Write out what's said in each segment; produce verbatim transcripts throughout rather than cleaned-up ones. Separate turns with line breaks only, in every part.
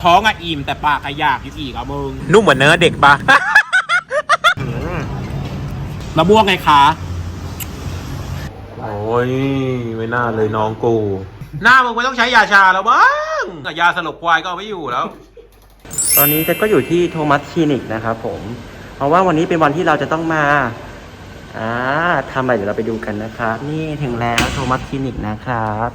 ท้องอะอิ่มแต่ปากอะอยากอยู่อีกอะมึงนุ่มเหมือนเนื้อเด็กปะมะม่วงไงคะโอ้ยไม่น่าเลยน้องกูหน้ามึงไม่ต้องใช้ยาชาแล้วบ้างยาสลบควายก็เอาไม่อยู่แล้ว
ตอนนี้เจ๊ก็อยู่ที่โทมัสคลินิกนะครับผมเพราะว่าวันนี้เป็นวันที่เราจะต้องมาอ่าทำอะไรเดี๋ยวเราไปดูกันนะครับนี่ถึงแล้วโทมัสคลินิกนะครับ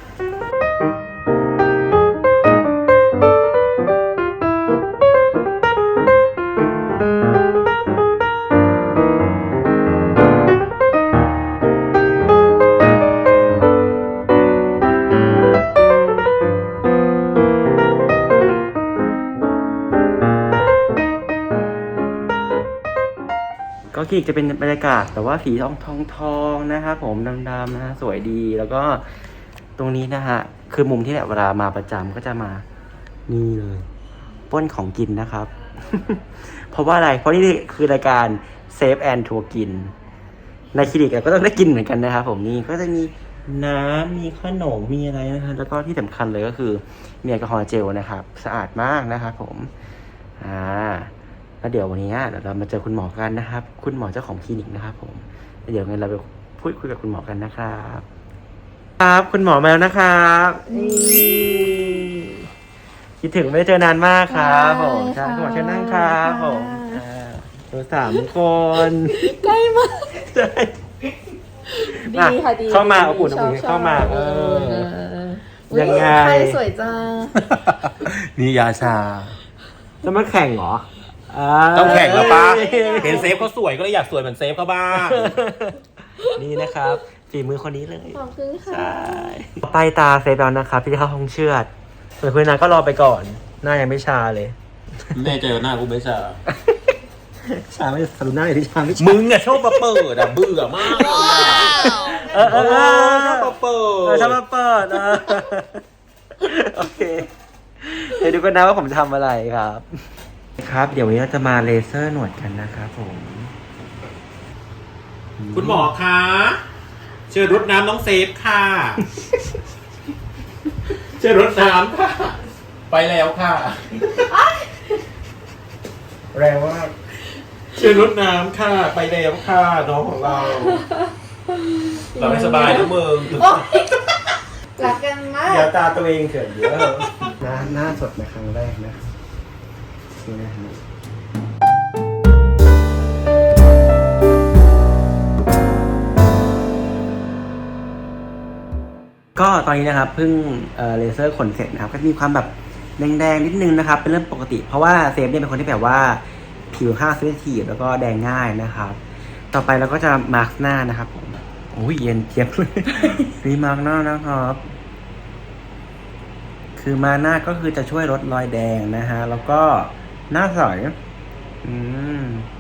ก็คลินิกจะเป็นบรรยากาศแต่ว่าสีทองทองทองนะครับผมดำๆนะฮะสวยดีแล้วก็ตรงนี้นะฮะคือมุมที่แบบเวลามาประจำก็จะมานี่เลยป้นของกินนะครับ เพราะว่าอะไรเพราะนี่คือรายการเซฟแอนทัวร์กินในคลินิกก็ต้องได้กินเหมือนกันนะครับผมนี่ก็จะมีน้ำมีขนมมีอะไรนะครับแล้วก็ที่สำคัญเลยก็คือมีแอลกอฮอล์เจลนะครับสะอาดมากนะครับผมอ่าแล้วเดี๋ยววันนี้เดี๋ยวเรามาเจอคุณหมอกันนะครับคุณหมอเจ้าของคลินิกนะครับผมเดี๋ยวงั้นเราไปพูดคุยกับคุณหมอกันนะครับครับคุณหมอมาแล้วนะครับคิดถึงไม่ได้เจอนานมากครับผมใช่คุณหมอเชิญนั่งครับผมตัวสามคน
ใกล้มาก
ใช่
ดีค่ะดี
เข้ามาอบอุ่นอบอุ่นเข้ามาเออยังไง
ใครสวยจัง
นี่ยาชา
จะมาแข่งเหรอ
ต้องแข่งแล้วปะเห็นเซฟเขาสวยก็เลยอยากสวยเหมือนเซฟเขาบ้าง
นี่นะครับฝีมือคนนี้เลย
ขอบคุณค่ะ
ใช่ไปตาเซฟแล้วนะครับพี่เข้าห้องเชือดส่วนคุณนาก็รอไปก่อนหน้ายังไม่ชาเลย
แน่ใจว่าหน้ากูไม่ชา
ชาไม่สรุปหน้าอยู่ที่ชาไม่ชา
มึงอะชอบมาเปิดอะเบื่อมาก
เออเออ
ชอบมาเปิด
ชอบมาเปิดโอเคเดี๋ยวดูกันนะว่าผมทำอะไรครับครับเดี๋ยววันนี้เราจะมาเลเซอร์หนวดกันนะครับผม
คุณหมอคะเชิญรดน้ำน้องเซฟค่ะเชิญรดน้ำค่ะไปแล้วค่ะ
แรงมาก
เชิญรดน้ำค่ะไปแล้วค่ะน้องของเราเราไม่สบายนะมึง
รักกันมาก
เดี๋ยวตาตัวเองเขินเยอะหน้าหน้าสดในครั้งแรกนะนี่นะฮะก็ตอนนี้นะครับเพิ่งเอ่อเลเซอร์ขนเสร็จนะครับก็มีความแบบแดงๆนิดนึงนะครับเป็นเรื่องปกติเพราะว่าเซฟเนี่ยเป็นคนที่แบบว่าผิวค่าเซนซิทีฟแล้วก็แดงง่ายนะครับต่อไปเราก็จะมาร์กหน้านะครับผมโอ้ยเย็นเจี๊ยบเลยรีมาร์กหน้านะครับคือมาหน้าก็คือจะช่วยลดรอยแดงนะฮะแล้วก็หน้าใสอืม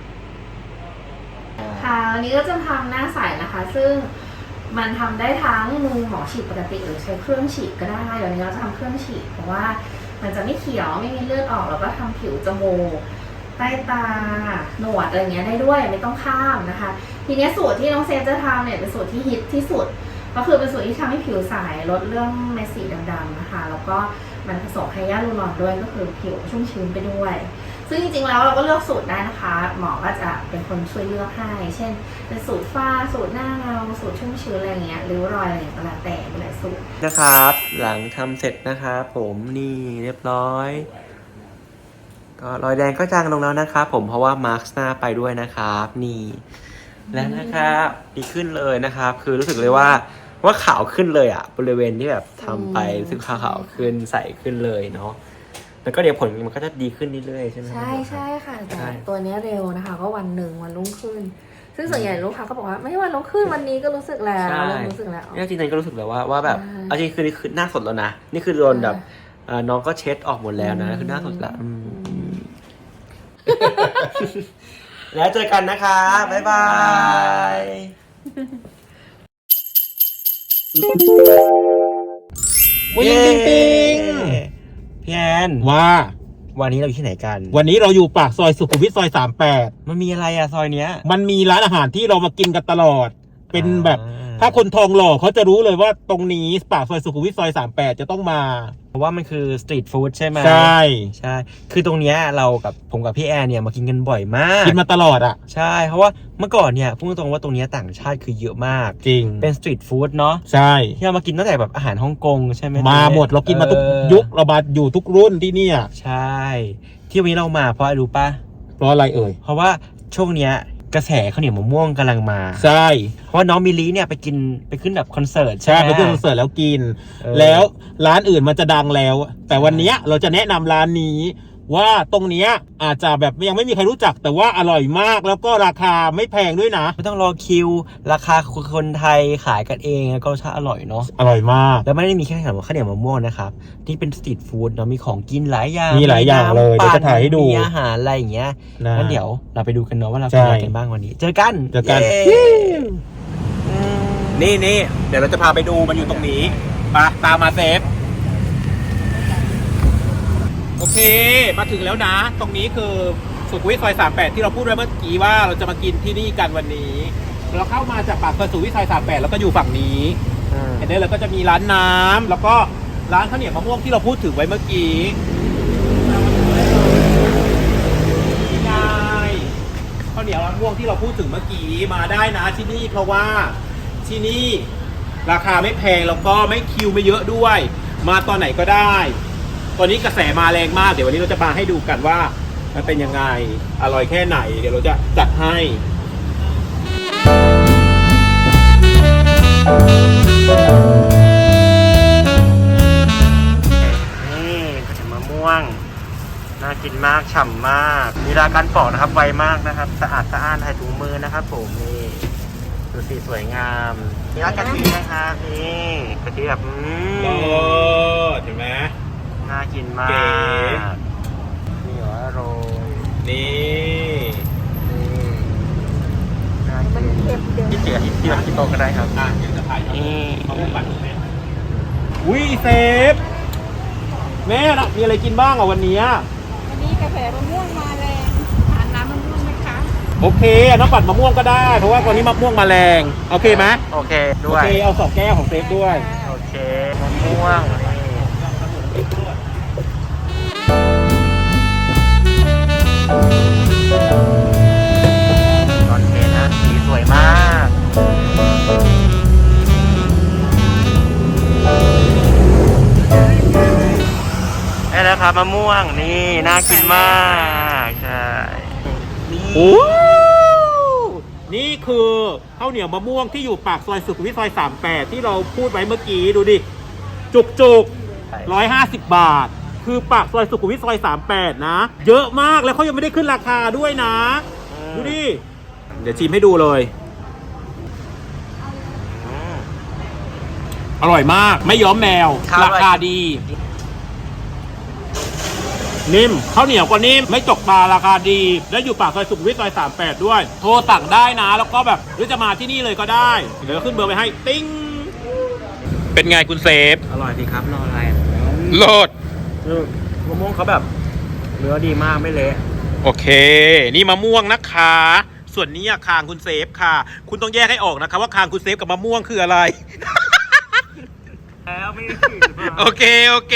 ค่ะวันนี้ก็จะทำหน้าใสนะคะซึ่งมันทำได้ทั้งมือหมอฉีดปกติหรือใช้เครื่องฉีดก็ได้เดี๋ยวนี้เราจะทำเครื่องฉีดเพราะว่ามันจะไม่เขียวไม่มีเลือดออกแล้วก็ทำผิวจมูกใต้ตาหนวดอะไรเงี้ยได้ด้วยไม่ต้องข้ามนะคะทีนี้สูตรที่น้องเซฟจะทำเนี่ยเป็นสูตรที่ฮิตที่สุดก็คือเป็นสูตรที่ทำให้ผิวใสลดเรื่องเม็ดสีดำๆนะคะแล้วก็มันผสมไฮยาลูรอนด้วยก็คือผิวชุ่มชื้นไปด้วยซึ่งจริงๆแล้วเราก็เลือกสูตรได้นะคะหมอก็จะเป็นคนช่วยเลือกให้เช่นเป็นสูตรฝ้าสูตรหน้าเงาสูตรชุ่มชื้นอะไรเงี้ยริ้วรอยอะไรอย่างเงี้ยก็แล้วแต่มีหลายสูตร
นะครับหลังทำเสร็จนะครับผมนี่เรียบร้อยก็รอยแดงก็จางลงแล้วนะครับผมเพราะว่ามาร์คหน้าไปด้วยนะครับนี่แล้วนะครับดีขึ้นเลยนะครับคือรู้สึกเลยว่าว่าขาวขึ้นเลยอ่ะบริเวณที่แบบทำไปรู้สึกขาวขึ้นใสขึ้นเลยเนาะแล้วก็เดี๋ยวผลมันก็จะดีขึ้นเรื่อยๆใช่ไหม
ใช่ใช่ค่ะแต่ตัวนี้เร็วนะคะก็วันหนึ่งวันรุ่งขึ้นซึ่งส่วนใหญ่ลูกค้าก็บอกว่าไม่วันรุ่งขึ้นวันนี้ก็รู้สึกแล้วเริ่มรู้สึกแล้ว
จริงๆก็รู้สึกแล้วว่าว่าแบบเอาจริงคือนี่คือหน้าสดแล้วนะนี่คือโดนแบบน้องก็เช็ดออกหมดแล้วนะคือหน้าสดละแล้วเจอกันนะคะบ๊ายบาย
วิ่งปิ๊งปิ๊ง
พี่แอนว่าวันนี้เราอยู่ที่ไหนกัน
วันนี้เราอยู่ปากซอยสุขุมวิทซอยสามแปด
มันมีอะไรอะซอยเนี้ย
มันมีร้านอาหารที่เรามากินกันตลอดเป็นแบบถ้าคนทองหล่อเขาจะรู้เลยว่าตรงนี้ปากซอยสุขุมวิทซอยสามแปดจะต้องมา
เพราะว่ามันคือสตรีทฟู้ดใช่ไหม
ใช่
ใช่คือตรงเนี้ยเรากับผมกับพี่แอนเนี่ยมากินกันบ่อยมาก
กินมาตลอดอ่ะ
ใช่เพราะว่าเมื่อก่อนเนี่ยพูดตรงๆว่าตรงเนี้ยต่างชาติคือเยอะมาก
จริง
เป็นสตรีทฟู้ดเนาะ
ใช่
ที่เรามากินตั้งแต่แบบอาหารฮ่องกงใช่ไหม
มาหมดเรากินมาทุก
เออ
ยุคเรามาอยู่ทุกรุ่นที่เนี่ย
ใช่ ที่วันนี้เรามาเพราะอะไรรู้ปะ
เพราะอะไรเอ่ย
เพราะว่าช่วงเนี้ยกระแสข้าวเหนียวมะม่วงกำลังมา
ใช่
เพราะว่าน้องมิลลีเนี่ยไปกินไปขึ้นแบบคอนเสิร์ต
ใช่
ไหม
ไปขึ้นคอนเสิร์ตแล้วกิน
เออ
แล้วร้านอื่นมันจะดังแล้ว แต่วันเนี้ยเราจะแนะนำร้านนี้ ว่าตรงเนี้ยอาจจะแบบยังไม่มีใครรู้จัก แต่ว่าอร่อยมากแล้วก็ราคาไม่แพงด้วยนะ
ไม่ต้องรอคิว ราคาคนไทยขายกันเองแล้วก็รสชาติอร่อยเนาะ
อร่อยมาก
แล้วไม่ได้มีแค่ขนมข้าวเหนียวมะม่วงนะครับนี่เป็นสตรีทฟู้ดเนาะมีของกินหลายอย่าง
มีหลายอย่างเลย
น้ำ
เดี๋ยวจะถ่ายให้ดู
มีอาหารอะไรอย่างเงี้ย
นะ
งั้นเดี๋ยวเราไปดูกันเนาะว่าเรา
ใช่
กินอะไรกันบ้างวันนี้ เจอกัน
เจอกัน
เย้
นี่นี่เดี๋ยวเราจะพาไปดูมันอยู่ตรงนี้ไปตามมาเซฟ โอเค มาถึงแล้วนะ ตรงนี้คือสุขุมวิทซอยสามแปดที่เราพูดไว้เมื่อกี้ว่าเราจะมากินที่นี่กันวันนี้ เราเข้ามาจากปากซอยสุขุมวิทซอยสามแปดแล้วก็อยู่ฝั่งนี้
อืม
เห็นได้เลยก็จะมีร้านน้ำแล้วก็ร้านข้าวเหนียวมะม่วงที่เราพูดถึงไว้เมื่อกี้นี่ไงข้าวเหนียวมะม่วงที่เราพูดถึงเมื่อกี้มาได้นะที่นี่เพราะว่าที่นี่ราคาไม่แพงแล้วก็ไม่คิวไม่เยอะด้วย มาตอนไหนก็ได้ตอนนี้กระแสมาแรงมากเดี๋ยววันนี้เราจะมาให้ดูกันว่ามันเป็นยังไงอร่อยแค่ไหนเดี๋ยวเราจะจัดให้
นี่มะม่วงน่ากินมากฉ่ำมากมีราการปอกนะครับไวมากนะครับสะอาดสะอ้านใส่ถุงมือนะครับผมนี่ดูสีสวยงามมีรากกะทินะครับนี่กะทิแบบอืม
เลิศเห็นไหม
น่ากินมา
เก๋
กนี่เหรอโรย
นี่
นี่น่ากินที่เจียที่ที่แบบที่โต๊ะก็ได้ครับ
อ่ะเดี๋ยวจะถ่าย
นี่
มะม่วงปั่นแม่วิเซฟแม่นะมีอะไรกินบ้างอ่ะวันนี้
วันนี้กาแฟมะม่วงมาแรงทานน้ำมะม่วงไหมคะ
โอเคน้ำปั่นมะม่วงก็ได้เพราะว่าตอนนี้มะม่วงมาแรงโอเคไหม
โอเค
โอ
ด้วย
เคเอาสองแก้วของเซฟด้วย
โอเคมะม่วงนี่โอเคนะสีสวยมากนี่นะครับมะม่วงนี่น่ากินมากใช่นี่
โอ้นี่คือข้าวเหนียวมะม่วงที่อยู่ปากซอยสุขุมวิทซอยสามแปดที่เราพูดไว้เมื่อกี้ดูดิจุกจุกร้อยห้าสิบบาท คือปากซอยสุขุมวิทซอยสามแปดนะ เยอะมากแล้วเขายังไม่ได้ขึ้นราคาด้วยนะ ดูดิ เดี๋ยวชิมให้ดูเลย
อืม
อร่อยมากไม่ย้อมแมว
ครับ
ราคาดี นิ่มข้าวเหนียวก็นิ่มไม่จกตาราคาดี และอยู่ปากซอยสุขุมวิทซอยสามแปดด้วย โทรสั่งได้นะแล้วก็แบบหรือจะมาที่นี่เลยก็ได้ เดี๋ยวขึ้นเบอร์ไปให้ติ้งเป็นไงคุณเซฟ
อร่อยดีครับรออะไร
โลด
คือมะม่วงเขาแบบเนื้อดีมากไม่เละ
โอเค นี่มะม่วงนะคะ ส่วนนี้อะคางคุณเซฟค่ะ คุณต้องแยกให้ออกนะคะว่าคางคุณเซฟกับมะม่วงคืออะไร
แล้วไม่ได้
โอเค โอเค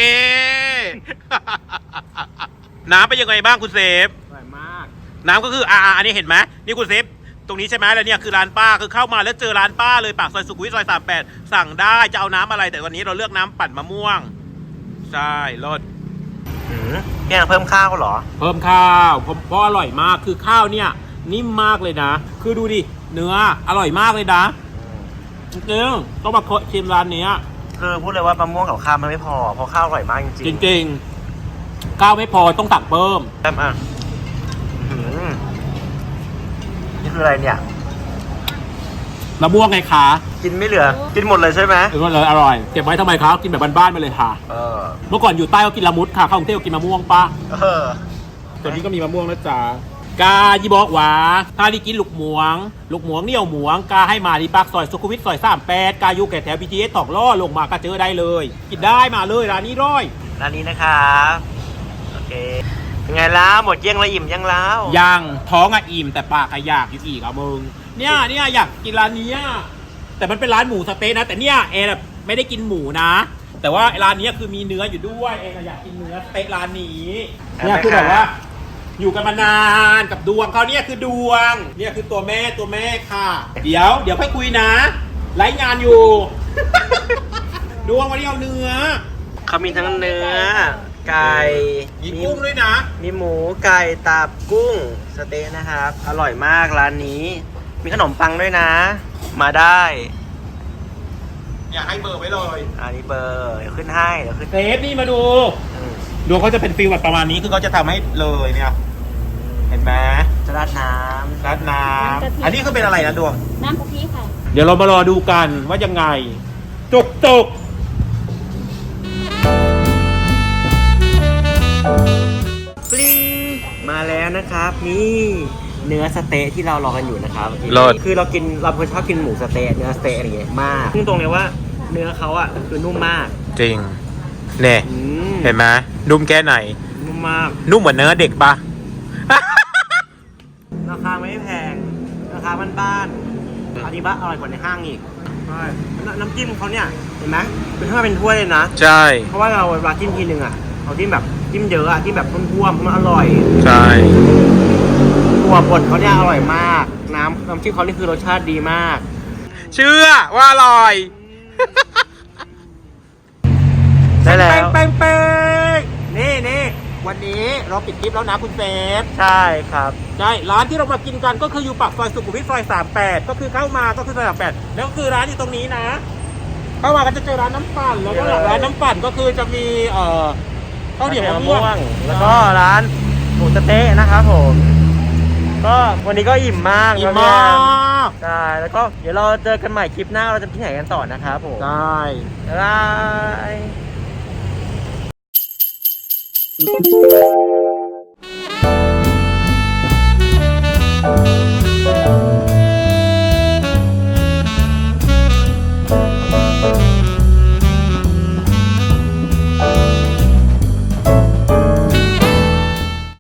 น้ำเป็นยังไงบ้างคุณเซฟ
อร่อยมาก
น้ำก็คืออ่าอันนี้เห็นไหมนี่คุณเซฟ ตรงนี้ใช่ไหมแล้วเนี่ยคือร้านป้าคือเข้ามาแล้วเจอร้านป้าเลยปากซอยสุขุมวิทซอยสามแปดสั่งได้จะเอาน้ำอะไรแต่วันนี้เราเลือกน้ำปั่นมะม่วง ใช่รส
หืมพี่แอนเพิ่มข้าวเหรอ
เพิ่มข้าวเพราะเพราะอร่อยมากคือข้าวเนี่ยนิ่มมากเลยนะ คือดูดิเนื้ออร่อยมากเลยนะจริงๆต้องมาชิมร้านนี้
คือพูดเลยว่ามะม่วงกับข้าวมันไม่พอเพราะข้าวอร่อยมากจริง
จริงๆข้าวไม่พอต้องสั่งเพิ่ม
ๆแซ่บอ่ะหืมนี่คืออะไรเนี่ย
มะม่วงไงคะ
กินไม่เหลือ กินหมดเลยใช่ไหม
เออเลยอร่อยเก็บไว้ทำไมครับกินแบบบ้านๆไปเลยค่ะ
เออ
เมื่อก่อนอยู่ใต้ก็กินละมุดค่ะเข้ากรุงเทพก็กินมะม่วงปะ
เออ
ตัวนี้ก็มีมะม่วงนะจ๊ะกายีบอกว่าถ้าที่กินลูกหมวง ลูกหมวงเนี่ยวหมวงกาให้มาที่ปากซอยสุขุมวิทซอยสามแปดกาอยู่แก่แถว บี ที เอส ตอกล่อลงมาก็เจอได้เลย กินได้มาเลยร้านนี้ร้อย
ร้านนี้นะครับโอเคเป็นไงล่ะหมดเยี่ยงละอิ่มยังแล้ว
ยังท้องอะอิ่มแต่ปากอะอยากอยู่อีกอะมึงเนี่ยเนี่ยอยากกินร้านนี้อะแต่มันเป็นร้านหมูสะเต๊ะนะ แต่เนี่ยแอนอะไม่ได้กินหมูนะ แต่ว่าร้านนี้คือมีเนื้ออยู่ด้วยแอนอะอยากกินเนื้อสเต๊ะร้านนี้เนี่ยคือแบบว่า อยู่กันมานานกับดวงเขาเนี่ยคือดวงเนี่ยคือตัวแม่ตัวแม่ค่ะ เดี๋ยวเดี๋ยวค่อยคุยนะไลฟ์งานอยู่ ดวงวันนี้เอาเนื้อ
เขามีทั้งเนื้อ ไก่
มีกุ้งด้วยนะ
มีหมูไก่ตับกุ้งสเต๊ะนะครับ อร่อยมากร้านนี้ มีขนมปังด้วยนะ มาได้
อยากให้เบอร์ไว้เลย
อันนี้เบอร์เดี๋ยวขึ้นให้เดี๋ยวขึ้น
เซฟนี่มาดู
อืม
ดวงเขาจะเป็นฟิลแบบประมาณนี้คือเขาจะทำให้เลยเนี่ยเห็นไหม
จะราดน้ำ
ราดน้ำอันนี้คือเป็นอะไรนะดวง
น้ำกะทิค่ะ
เดี๋ยวเรามารอดูกันว่ายังไง จุกจุก
ปลิ้งมาแล้วนะครับ นี่เนื้อสเต๊ะที่เรารอกันอยู่นะครับ
เลิศ
คือเรากินเราชอบกินหมูสเต๊ะเนื้อสเต๊ะอะไรอย่างเงี้ยมากซึ่งตรงเลยว่าเนื้อเขาอ่ะคือนุ่มมาก
จริงเนี่ย
อืม
เห็นไหมนุ่มแค่ไหน
นุ่มมาก
นุ่มเหมือนเนื้อเด็กปะ
ราคาไม่แพงราคาบ้านๆอันนี้บ้าอร่อยกว่าในห้างอีกใช่แล้วน้ำจิ้มเขาเนี่ยเห็นไหมเป็นถ้าเป็นถ้วยเลยนะ
ใช่
เพราะว่าเราเวลาจิ้มทีนึงอ่ะเขาจิ้มแบบจิ้มเยอะอ่ะที่แบบท่วมๆมันอร่อย
ใช่
ตัวบดเขาเนี่ยอร่อยมาก น้ำน้ำจิ้มเขานี่คือรสชาติดีมาก
เชื่อว่าอร่อย
ได้แล้ว
เป้งเป้งนี่นี่วันนี้เราปิดคลิปแล้วนะคุณเซฟ
ใช่ครับ
ใช่ร้านที่เรามากินกันก็คืออยู่ปากซอยสุขุมวิทซอยสามแปดก็คือเข้ามาก็คือซอยสามแปดแล้วก็คือร้านอยู่ตรงนี้นะ เข้ามาก็จะเจอร้านน้ำปั่นแล้วก็หลังร้านน้ำปั่นก็คือจะมีเอ่อข้าวเหนียวมะม่วง
แล้วก็ร้านหมูสะเต๊ะนะครับผม ก็วันนี้ก็อิ่มมาก
อิ่ม
แล้ว
มา
เนี่ย
ก
ใช่แล้วก็เดี๋ยวเราเจอกันใหม่คลิปหน้าเราจะไปที่ไหนกันต่อนะครับผม
ได้
บ๊ายบาย